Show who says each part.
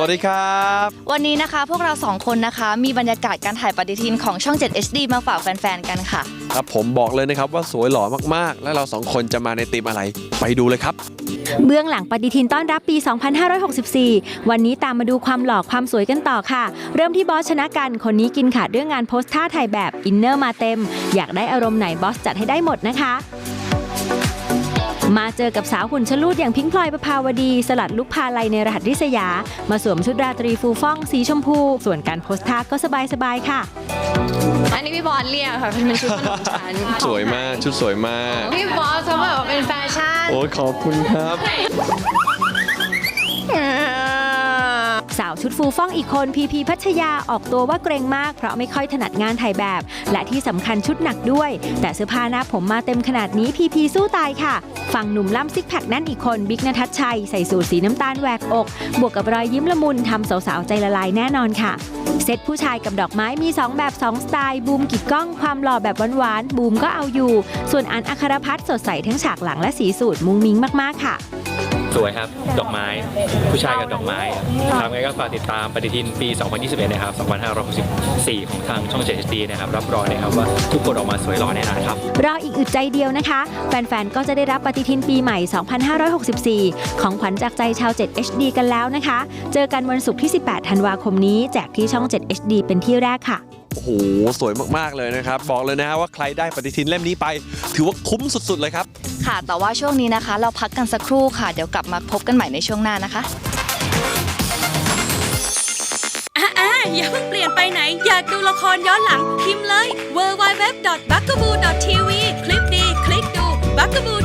Speaker 1: วัสดีครับ
Speaker 2: วันนี้นะคะพวกเรา2คนนะคะมีบรรยากาศการถ่ายปฏิทินของช่อง 7 HD มาฝากแฟนๆกันค่ะ
Speaker 1: ครับผมบอกเลยนะครับว่าสวยหล่อมากๆและเรา2คนจะมาในธีมอะไรไปดูเลยครับ
Speaker 3: เบื้องหลังปฏิทินต้อนรับปี 2564 วันนี้ตามมาดูความหล่อความสวยกันต่อค่ะเริ่มที่บอสชนะกันคนนี้กินขาดเรื่องงานโพสท่าถ่ายแบบอินเนอร์มาเต็มอยากได้อารมณ์ไหนบอสจัดให้ได้หมดนะคะมาเจอกับสาวหุ่นชะลูดอย่างพิงค์พลอยประภาวดีสลัดลุคพาลัยในรหัสริษยามาสวมชุดราตรีฟูฟ่องสีชมพูส่วนการโพสท่าก็สบายๆค่ะ
Speaker 4: อันนี้พี่บอสเรียกค่ะเป็นชุดขนมชั้น
Speaker 1: สวยมากชุดสวยมาก
Speaker 4: พี่บอสเขาแบบว่าเป็นแฟชั่น
Speaker 1: โอ้ขอบคุณครับ
Speaker 3: สาวชุดฟูฟ่องอีกคนพีพีพัชยาออกตัวว่าเกรงมากเพราะไม่ค่อยถนัดงานถ่ายแบบและที่สำคัญชุดหนักด้วยแต่เสื้อผ้าหน้าผมมาเต็มขนาดนี้พีพีสู้ตายค่ะฝั่งหนุ่มล่ำซิกแพคแน่นอีกคนบิ๊กณทัชชัยใส่สูทสีน้ำตาลแหวกอกบวกกับรอยยิ้มละมุนทำสาวๆใจละลายแน่นอนค่ะเซตผู้ชายกับดอกไม้มี2แบบ2สไตล์บูมกิดกล้องความหล่อแบบหวานๆบูมก็เอาอยู่ส่วนอันอัครพัฒน์สดใสทั้งฉากหลังและสีสูทมุ้งมิ้งมากๆค่ะ
Speaker 5: สวยครับดอกไม้ผู้ชายกับดอกไม้ทำไงก็ฝากติดตามปฏิทินปี 2021 นะครับ 2564 ของทางช่อง 7 HD นะครับรับรองเลยครับว่าทุกคนออกมาสวยหล่อแน่นอนครับ
Speaker 3: รออีกอึดใจเดียวนะคะแฟนๆก็จะได้รับปฏิทินปีใหม่ 2564 ของขวัญจากใจชาว 7 HD กันแล้วนะคะเจอกันวันศุกร์ที่ 18 ธันวาคมนี้แจกที่ช่อง 7 HD เป็นที่แรกค่ะ
Speaker 1: โอ้โหสวยมากๆเลยนะครับบอกเลยนะฮะว่าใครได้ปฏิทินเล่มนี้ไปถือว่าคุ้มสุดๆเลยครับ
Speaker 2: ค่ะแต่ว่าช่วงนี้นะคะเราพักกันสักครู่ค่ะเดี๋ยวกลับมาพบกันใหม่ในช่วงหน้านะคะ
Speaker 6: อย่าเพิ่งเปลี่ยนไปไหนอยากดูละครย้อนหลังพิมพ์เลย www.bugaboo.tv คลิปดีคลิกดู Bugaboo